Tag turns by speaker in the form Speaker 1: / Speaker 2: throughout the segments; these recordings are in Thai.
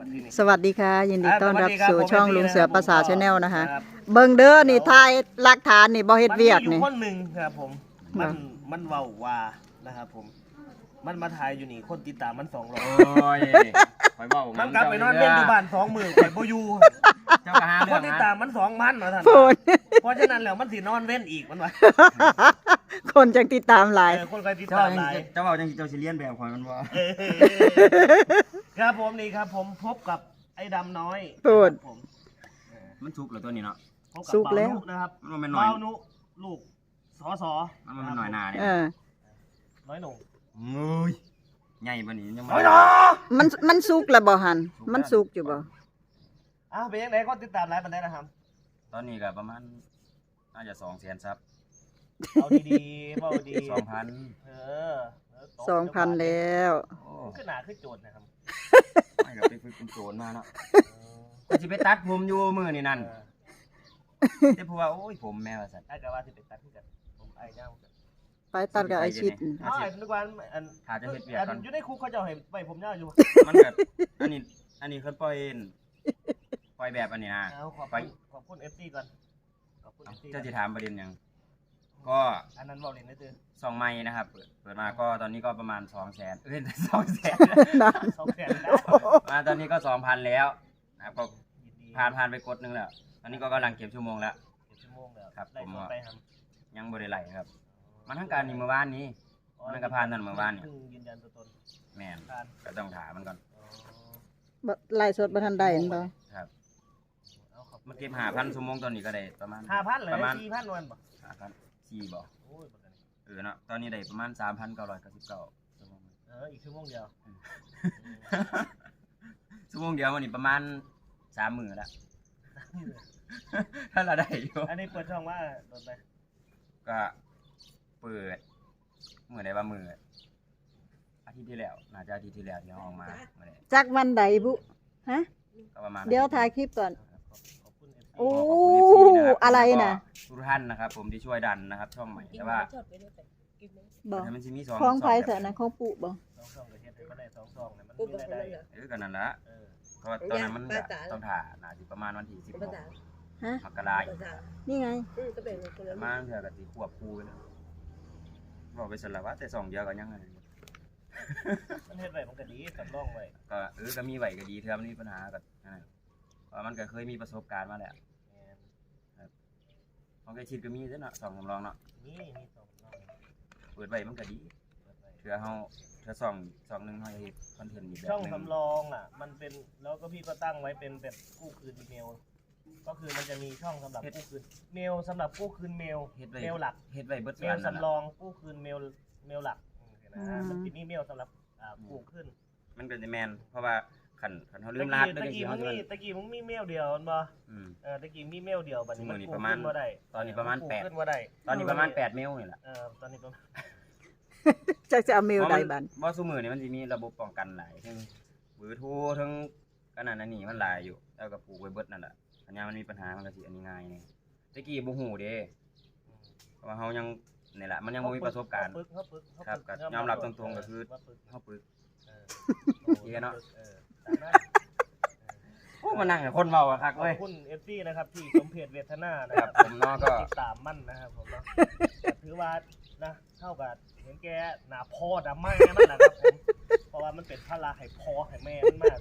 Speaker 1: สวัสดีค่ะยินดีต้อนรับสู่ช่องลุงเสือภาษาชาแนลนะคะเบิ่งเด้อนี่ทายหลักฐานนี่บ่เฮ็ดเวียกนี่
Speaker 2: คนหนึ่งครับผมมันเว้าว่านะครับผมมันมาถ่ายอยู่นี่คนติดตามมัน200
Speaker 3: โอ้ยคอยบอก
Speaker 2: มันกลับไปนอนเป็นอยู่บ้าน2 มื้อข่อยบ่อยู่
Speaker 3: เจ้าก็หาเรื่
Speaker 2: ค
Speaker 3: อน ง
Speaker 2: ติดตามมัน2,000ว่าท่านเพราะฉะนั้นแล้วมันสินอนเว้นอีกมันว่า
Speaker 1: คนจังติดตามหลาย
Speaker 2: คนใครติด
Speaker 3: เจ้า
Speaker 2: ตามหลาย
Speaker 3: เจ้าบอกจังเจ้าสิเลียนแบบคอยมันว่า
Speaker 2: ครับผมนี่ครับผมพบกับไอ้ดำน้อย
Speaker 1: พูด
Speaker 2: ผม
Speaker 3: มันสุกเหรอตัวนี้เนาะ
Speaker 2: พบกับ
Speaker 1: สุกแล้ว
Speaker 2: บ่าวนุนะครับ
Speaker 3: มันเป็นหน่อย
Speaker 2: บ่าวนุลูกสอสอ
Speaker 3: มันเป็นหน่อยหนาเนี่ย
Speaker 2: น้อยหนุ่ม
Speaker 3: เอ้ยใหญ่ปานนี้ยัง
Speaker 2: น้อยหนุ่ม
Speaker 1: มันสุกแล้วบ่หันมันสุกอยู่บ่
Speaker 2: อ้าวเป็นยังไงคนติดตามหลายปานใดนะครับ
Speaker 3: ตอนนี้ก็ประมาณน่าจะ200,000ซับ
Speaker 2: เอาดีๆเบาดี
Speaker 3: 2,000
Speaker 2: เออ
Speaker 1: 2,000แล้ว
Speaker 3: โอ้
Speaker 2: ขึ้นหนาขึ้นโจทย์นะครับ
Speaker 3: ไม่กับไปฝึกเป็นโจรมาเนาะก็สิไปตัดผมอยู่มื้อนี่นั่นแต่เพราะว่าโอ้ยผมแม่ว่าซั่น
Speaker 2: ไอ้กะว่าสิเป็นตัดขึ้นกันผมไอ้เจ้ากัน
Speaker 1: ไปตัดกับไอชิด
Speaker 2: อ๋อไอ้ทุกวันอัน
Speaker 3: ถ้าจะเฮ็ดเวียกก่อน
Speaker 2: อยู่ในคุกเขาจะให้ไปผมยาวอยู่
Speaker 3: มันก็อันนี้เพิ่นปล่อยแบบอันนี้นะ
Speaker 2: เอาขอบคุณ FC ก่อนขอบคุณ FC
Speaker 3: เจ้าจะถามประเด็นหยังก็
Speaker 2: อันนั้นบอกเลยนะตือ
Speaker 3: ซองไม้นะครับเปิดมาก็ตอนนี้ก็ประมาณ200,000200,000
Speaker 2: 200,000แล้ว
Speaker 3: มาตอนนี้ก็ 2,000 แล้วนะครับก็
Speaker 2: ยินดี
Speaker 3: ผ่านไปกดนึงแล้วตอนนี้ก็กำลังเก็บชั่วโมงแล้ว
Speaker 2: ชั่วโมงแล้ว
Speaker 3: ครับ
Speaker 2: ไล่
Speaker 3: ผม
Speaker 2: สดไปครับ
Speaker 3: ยังบ่ได้ไหลครับมันทั้งการนี่เมื่อวานนี้มันก็ผ่านนั่นเมื่อวานนี่
Speaker 2: เพิ่งยืนยันตัวตน
Speaker 3: แม่น
Speaker 2: ผ่าน
Speaker 3: ก็ต้องถามมันก่อน
Speaker 1: ไล่สดบ่ทันได้เห็นบ่
Speaker 3: ครับ
Speaker 2: เอาขอบคุณ
Speaker 3: มาเก็บ5,000ชั่วโมงตอนนี้ก็ได้ประมาณ
Speaker 2: 5,000เลย
Speaker 3: ประมาณ
Speaker 2: 4,000วันบ่
Speaker 3: 4,000บ่
Speaker 2: โอ้ยบ่ได้
Speaker 3: เนาะตอนนี้ได้ประมาณ 3,999ชั่วโมง
Speaker 2: อีกชั่วโมงเดียว
Speaker 3: ชั่วโมงเดียววันนี้ประมาณ3 มื้อแล้ว ถ้าเราได้อยู่
Speaker 2: อันนี้เปิดช่องว่าโดนไป
Speaker 3: ก็เปิดมื้อใดว่ามื้ออาทิตย์ที่แล้วน่าจะอาทิตย์ที่แล้วที่เราออกมามื้อใด
Speaker 1: จักวันใดบุฮะ
Speaker 3: ก็ประมาณ
Speaker 1: เดี๋ยวถ่ายคลิปก่อน
Speaker 2: ขอบคุณ FC
Speaker 1: โอ้
Speaker 3: ขอบคุณ FC นะครับ
Speaker 1: อะไรน่ะ
Speaker 3: แล้วก็ทุกท่านนะครับ ผมที่ช่วยดันนะครับ ช่องใหม่แต่ว่า
Speaker 1: บ่
Speaker 3: มันสิมี2
Speaker 1: ของไผ
Speaker 3: แบบ
Speaker 1: ซะนะของปู่บ่
Speaker 2: 2 ช่องก็เฮ็ดให้มันได้2 ช่องเนี่ยมันมีรายได้
Speaker 3: ก็นั่นละ
Speaker 2: เออ
Speaker 3: เพราะว่าตอนนั้นมันก็ต้องถ่าน่าสิประมาณวันที่16
Speaker 1: ฮะ
Speaker 3: มกราคม
Speaker 1: นี่ไง
Speaker 3: ประมาณเทื่อก็สิควบคู่ไปแล้วบอกไปสละว่าแต่2เดียวก็ยังไง
Speaker 2: มันเฮ็ดไว้มันก็ดีสำรองไว้
Speaker 3: ก็ก็มีไหวก็ดีเทื่อมันมีปัญหาก็นั่นแหละเพราะมันก็เคยมีประสบการณ์มาแล้ว
Speaker 2: แม่น
Speaker 3: ของไอ้ชิดก็มีเด้อเนาะ2สำรองเนาะ
Speaker 2: มีสองช่อง
Speaker 3: เปิดไว้มันก็ดี
Speaker 2: เปิดไว้
Speaker 3: เทื่อเฮาเทื่อ2 นึงเฮาเฮ็ดคอนเทนต์อีกแบบ
Speaker 2: ช่อง
Speaker 3: นึง
Speaker 2: สำรองอ่ะมันเป็นแล้วก็พี่ก็ตั้งไว้เป็นแบบกู้คืนอีเมล ก็คือมันจะมีช่องสำหรับกู้คืนเมลสำหรับกู้คืนเมล
Speaker 3: เฮ็ดไว้
Speaker 2: เมลหลัก
Speaker 3: เฮ็ดไว้เบิด
Speaker 2: เมลสำรองกู้คืนเมลหลักมันจะมีเมลสำหรับกู้คืน
Speaker 3: มันก็จะแม่นเพราะว่าคันเฮาลืมรหัส
Speaker 2: ตะ
Speaker 3: ได้จัง
Speaker 2: กี้
Speaker 3: ซี่
Speaker 2: มึ
Speaker 3: เฮางสิมัน
Speaker 2: ตะกี้มึงมีเมลเดียวมันบ่
Speaker 3: อืม
Speaker 2: ตะกี้มีเมลเดียวบัดนี้มัน
Speaker 3: มื้อนี้
Speaker 2: กู้
Speaker 3: ประมาณ
Speaker 2: ขึ้นบ่ได้
Speaker 3: ตอนนี้ประมาณ
Speaker 2: กู้
Speaker 3: 8
Speaker 2: ขึ้นบ่ได้
Speaker 3: ตอนนี้ประมาณ8เมลนี่แหละ
Speaker 2: ตอนนี้ประมาณ
Speaker 1: จักจะเอาเมลใดบัด
Speaker 3: บ่ซุมื้อนี่มันสิมีระบบป้องกันหลายทั้งเบอร์โทรทั้งกันนั่นอันนี้มันหลายอยู่แล้วก็ปลูกไว้เบิดนั่นแหละอันนี้มันมีปัญหามันก็สิอันนี้ง่ายนี่ตะกี้บ่ฮู้เด้เพราะว่าเฮายังนี่แหละมันยังบ่มีประสบการณ์
Speaker 2: เขาปึก
Speaker 3: ครับก็ยอมรับตรงๆก็คือ เฮาปึก เหี้ยเนาะ
Speaker 2: ตามนั้น
Speaker 3: โอ้มานั่งให้คนเว้าอะคัก
Speaker 2: ขอ
Speaker 3: เว้ย
Speaker 2: บคุณ FC นะครับที่สมเพจเวทนานะ
Speaker 3: ค
Speaker 2: ค
Speaker 3: รั
Speaker 2: รั
Speaker 3: บบ ผมเนาะก็
Speaker 2: ติดตามมั่นนะครับผมเนาะถือว่านะเท่ากับเห็นแกหน้าพ่อดำมากนั่นแหละครับผมเพราะว่ามันเป็นพระให้พ่อให้แม่มันมาก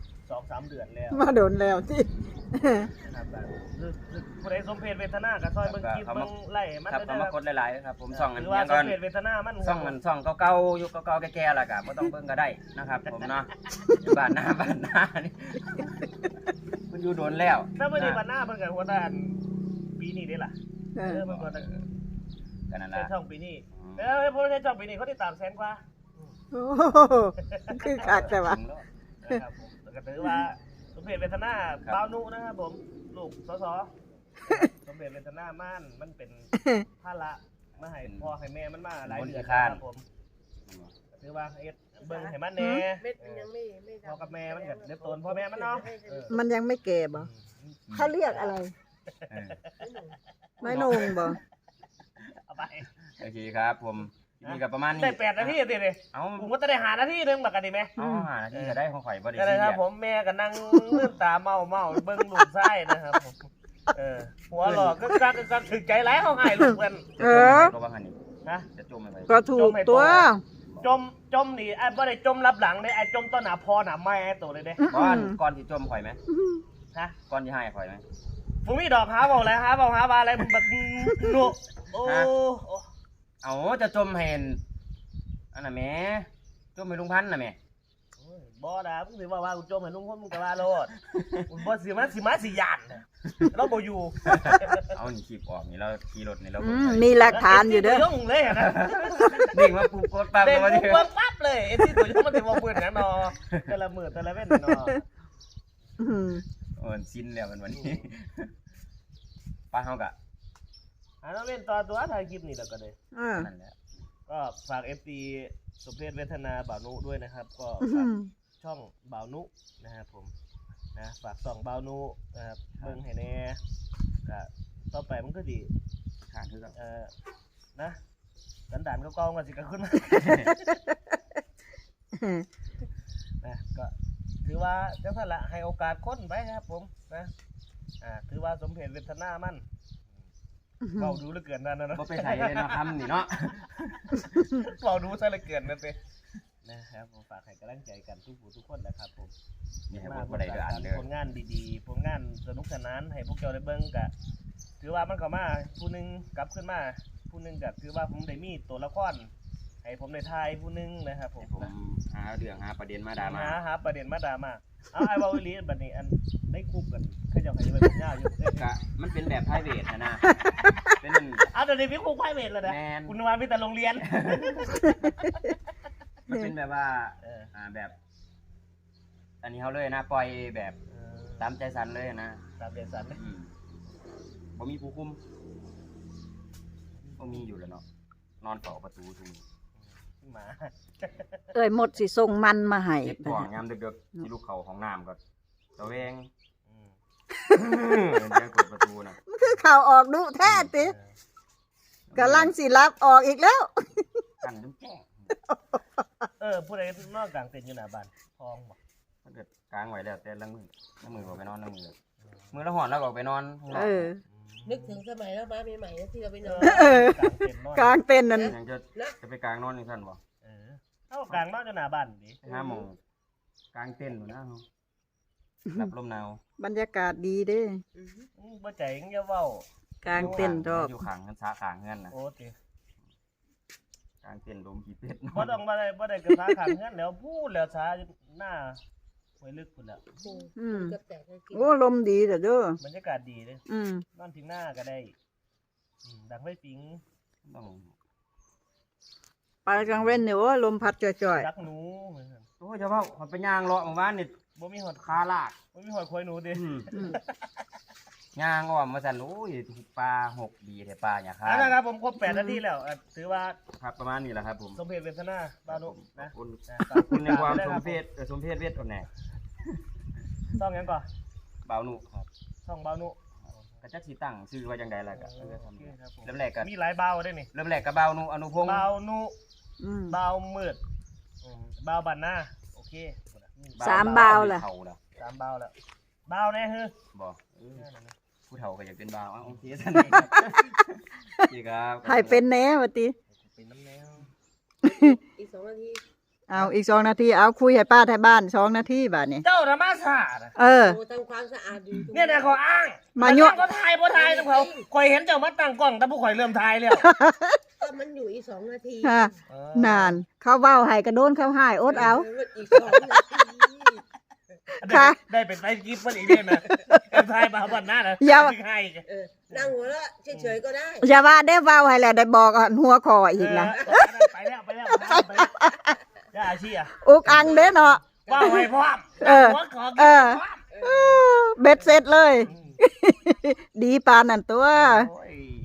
Speaker 2: 2-3 เดือนแล้ว
Speaker 1: มาโดนแล้วที่
Speaker 2: นะครับคือผู้ใดสมเพจเวทนาก็ซอยเบิ่งคลิปเบิ่งไล่มัน
Speaker 3: ครับ
Speaker 2: ได้
Speaker 3: เขา
Speaker 2: นะ
Speaker 3: มากดหลายๆครับผมส่องอัน
Speaker 2: ถือว่า
Speaker 3: ยัง
Speaker 2: ส
Speaker 3: ก่อ
Speaker 2: ม
Speaker 3: น
Speaker 2: เพจเวทนามัน
Speaker 3: ส่องมันส่องเก่าๆยุคเก่าๆแก่ๆล่ะก็บ่ต้องเบิ่งก็ได้นะครับ ผมเนาะอยู่บ้านหน้านี่มันอยู่โดนแล้ว
Speaker 2: ถ้าไม่ได้บันหน้าเพิ่นก็หัวด้านปีนี้ได้ล่ะ
Speaker 1: เออ
Speaker 2: เพิ่นก็
Speaker 3: ก็นั่น
Speaker 2: ใช้
Speaker 3: ล่ะ
Speaker 2: ช่องปีนี้พวกใช้ช่องปีนี้เขาติดตาม100,000 กว่า
Speaker 1: โอ้โหคือคักแต่ว่า
Speaker 2: นะครับผมก็ถือว่าสมเพจเวทนาบ่าวนุนะครับผมลูกสสสมเพจเวทนามันเป็นภาระมาให้พ่อให้แม่มันมาหลายเดือนนะครับผมถือว่าเอ็ดเบิ่งให้มันแหน่พ่อกับแม่มันก็เรียบตนพ่อแม่มันเนาะ
Speaker 1: มันยังไม่แก่บ่เขาเรียกอะไร
Speaker 3: เออ
Speaker 1: ไม่นงบ่
Speaker 2: เอาไป
Speaker 3: โอเคครับผมนี่ก็ประมาณนี้
Speaker 2: ได้8 นาทีติเลย
Speaker 3: เอา
Speaker 2: ผมก็จะได้5 นาทีนึงบักกันดีไหม
Speaker 3: เอา5 นาทีก็ได้ของข่อยบ่ได้
Speaker 2: ก็เลย
Speaker 3: ซี
Speaker 2: ครับ
Speaker 3: เรียส
Speaker 2: ผมแม่ก็นั่งลืมตาเมาเบิ่งลูกไส้นะครับผมหัวหลอกก็ถึงใจร้ายเขาให้ลูกเพิ่น
Speaker 3: ก็ว่าหั่นนี่
Speaker 2: นะ
Speaker 3: จะจมไป
Speaker 1: ก็ถูกตัว
Speaker 2: จมนี่ไอ้บ่ได้จมรับหลังเลยไอ้จมต้นหน้าพ่อหน้าแม่ตัวเลยเด้
Speaker 3: ก่อนสิจมข่อยไหม
Speaker 2: ฮะ
Speaker 3: ก่อนสิให้ข่อยไหม
Speaker 2: ผมมีดอกหาบอกแล้วหาว่าอะไรมันแบบหนุโอ้
Speaker 3: เอาจะจมเห็นอันน่ะแม่จมให้ลุงพันธุ์น่ะแม่
Speaker 2: บ่ด่ามึงสิว่ากูจมให้ลุงพ่นมึงก็ว่าโลดบ่สิมาสิยานเราบ่อยู่
Speaker 3: เอานี่คลิปออกนี่เราขี่รถนี่เรา
Speaker 1: มีหลักฐานอยู่เด้อ
Speaker 2: ย่งเลยนะ
Speaker 3: เด้งมาปุ๊บกดปั๊บ
Speaker 2: เด็ก
Speaker 3: มา
Speaker 2: กู
Speaker 3: ดิ
Speaker 2: ปั๊บเลยไอ้ที่ตัวย่งมันสิบ่เปิดหยังนอแต่ละมื้อแต่ละเว้นนอ
Speaker 3: โอ้ยสิ้นแล้วมันวันนี้ป้าเฮากะ
Speaker 2: อันนั้นเว้นต่อตัวถ่ายคลิปนี่แล้วก็ได้
Speaker 3: นั่นแหละ
Speaker 2: ก็ฝาก FT สมเพชเวทนาบ่าวนุด้วยนะครับ ก็ฝากช่องบ่าวนุนะครับผมนะฝากส่องบ่าวนุนะครับเบิ่งให้แน่ก็ต่อไปมันก็ดี
Speaker 3: ขาดคือกับ
Speaker 2: นะสันดานเก่าๆก็สิกระขึ้นมานะก็ถือว่าจังซั่นละให้โอกาสคนไปครับผมนะถือว่าสมเพชเวทนามันเบาดูเหลือเกินนั่นนะ
Speaker 3: บ่ไปใส่เลยเนาะคำนี่เนาะ
Speaker 2: เบาดูซะเหลือเกินนั่นเองนะครับผมฝากให้กำลังใจกันทุกผู้ทุกคนนะครับผม
Speaker 3: นี่ให้บ่ได้เด้ออันเด้อ
Speaker 2: ผลงานดีๆผลงานสนุกสนานให้พวกเจ้าได้เบิ่งก็ถือว่ามันเข้ามาผู้หนึงกลับขึ้นมาผู้หนึงก็ถือว่าผมได้มีตัวละครให้ผมได้ทายผู้หนึงนะครับผม
Speaker 3: ผมหาเรื่องหาประเด็นมาด่ามา
Speaker 2: หาประเด็นมาดราม่าเอาไอ้เว้าอีหลีบัดนี้อันได้คุกกันเขาเจ้าให้ไปเป็นยาวอยู่
Speaker 3: ก็มันเป็นแบบไพรเวทนะเป็น
Speaker 2: เอาแต่นี้มีคุกไพรเวทแล้วนะ
Speaker 3: แม่น
Speaker 2: คุณว่ามีแต่โรงเรียน
Speaker 3: มันเป็นแบบว่าแบบ อันนี้เขาเลยนะปล่อยแบบตามใจสันเลยนะ
Speaker 2: ตามเดสันเลย
Speaker 3: บ่มีผู้คุมบ่มีอยู่แล้วเนาะนอนเฝ้าประตูทุก
Speaker 2: หมา
Speaker 1: เอ้ยหมดสิส่งมันมาให้
Speaker 3: เจ็บท้องยามดึกๆที่ลูกเขาของน้ำก็ตะเวงเดี๋ยวเปิดประตูน่ะ
Speaker 1: มันคือข่าวออกดุแท้ติกำลังสิรับออกอีกแล้ว
Speaker 3: กันจนแจ้ง
Speaker 2: ผู้ใดนอกกลางเต็นท์อยู่หน้าบ้านทองบ่
Speaker 3: ถ้าเกิดกลางไว้แล้วแต่ละมือก็ไปนอนละมือละหอนแล้วก็ไปนอน
Speaker 4: นึกถึงสมัยเรามาใหม่ๆนะที่เราไปนอน
Speaker 2: กลางเต็นท์นอน
Speaker 1: กลางเต็นท์นั้น
Speaker 3: ยังจะไปกลางนอนนี่ท่านบ่
Speaker 2: เท่ากลางนอนอยู่หน้าบ้านดิ
Speaker 3: ห้าโมงกลางเต้นอยู่นะรับลมหนาว
Speaker 1: บรรยากาศดีเด้
Speaker 2: บ่ใจยังจะเว้าก
Speaker 1: ลางเต็นท์ดอก
Speaker 3: อยู่ข้างกันสาข้างเฮือนนะ
Speaker 2: โอ้ติ
Speaker 3: กลางเต้นลมขี้เป็ด
Speaker 2: บ่ต้องบ่ได้กระทาขังเงินแล้วพูดแล้วช้าหน้าไว้ลึกพุ่นแล้ว
Speaker 4: กับแต่ก็กิน
Speaker 1: โอ้ลมดีแต่เด้อบ
Speaker 2: รรยากาศดีเด้
Speaker 1: ม
Speaker 2: นอนทิ้งหน้าก็ได้ดังไฟปิง
Speaker 3: ต้อง
Speaker 1: ไปกลางเว้นเนี่ยโอ้ลมพัดจ่อย
Speaker 2: ดักหนู
Speaker 3: โอ้ยจะว่าเขาไปย่างเลาะหมู่บ้านนี่
Speaker 2: บ่มีหอด
Speaker 3: คาลาก
Speaker 2: บ่มีหอดคอยหนูดิ
Speaker 3: ย่างอ้อมมาสั่นโอ้ยปลาหกดีแต่ปลาอย่าคา
Speaker 2: นะครับผมครบ8 นาทีแล้วถือว่า
Speaker 3: ครับประมาณนี้แหละครับผม
Speaker 2: สมเพชเวทนาบานุนะ
Speaker 3: ขอบคุณในความสมเพศสมเพศเวทอ่อนแน่
Speaker 2: ช่องยังก่อน
Speaker 3: เบาหนุครับ
Speaker 2: ช่องบานุ
Speaker 3: กระจักสีตั้งชื่อว่าจังใดล่ะก็
Speaker 2: โอเคครับผม
Speaker 3: เริ่มแรกก็
Speaker 2: มีหลายเบาได้นี่
Speaker 3: เริ่มแรกก็เบาหนุอนุพงศ์
Speaker 2: เบานุ
Speaker 1: ๆ
Speaker 2: เบามืดเบาบันหน้าโอเค
Speaker 1: สามเบาล่ะ
Speaker 3: เฒ่าแล้ว
Speaker 2: 3เบาแล้วเบาแน่ฮือ
Speaker 3: บ่ผู้เฒ่าก็อยากเป็นเบาโอเคซั่นนี่ครับ
Speaker 1: ให้เป็นแหน่ว่าติ
Speaker 2: เป็นน้ำแนว
Speaker 4: อีก2 นาที
Speaker 1: เอาอีก2 นาทีเอาคุยให้ป้าไทยบ้าน2 นาทีบาดนี้
Speaker 2: เจ้าธรรมศาสตร์
Speaker 1: เออ
Speaker 4: โอ้ทำความสะอาดดี
Speaker 2: เนี่ยนะเขาอ้าง
Speaker 1: มายั่ว
Speaker 2: ก็ถ่ายบ่ถ่ายนะเขาข่อยเห็นเจ้ามาตั้งกล้องแต่ผู้ข่อยเริ่มถ่ายแล้ว
Speaker 4: ก็มันอยู่อีก2 นาที
Speaker 1: ค่ะนาน เขาเว้าให้กระโดนเขาหายอดเอา
Speaker 4: อีก2 นาที
Speaker 1: ค่ะ
Speaker 2: ได้เป็นไฟกิฟต์มันอีกเนี่ยนะเป็นถ่ายมาบันหน้านะ
Speaker 1: อย่า
Speaker 2: ให้
Speaker 4: นั่งหัวเราะเฉยๆก็ได้
Speaker 1: อย่าว่าได้เว้าให้แล้วได้บอกหัวคออีกนะ
Speaker 2: ไปแล้วย่าอาชีอ่ะ
Speaker 1: อุกอังเด้เนาะ
Speaker 2: ว่าไว้พร้อม หัวขอกินพร้อม
Speaker 1: เบ็ดเสร็จเลย ดีปานนั่นตัว
Speaker 2: โอ้ย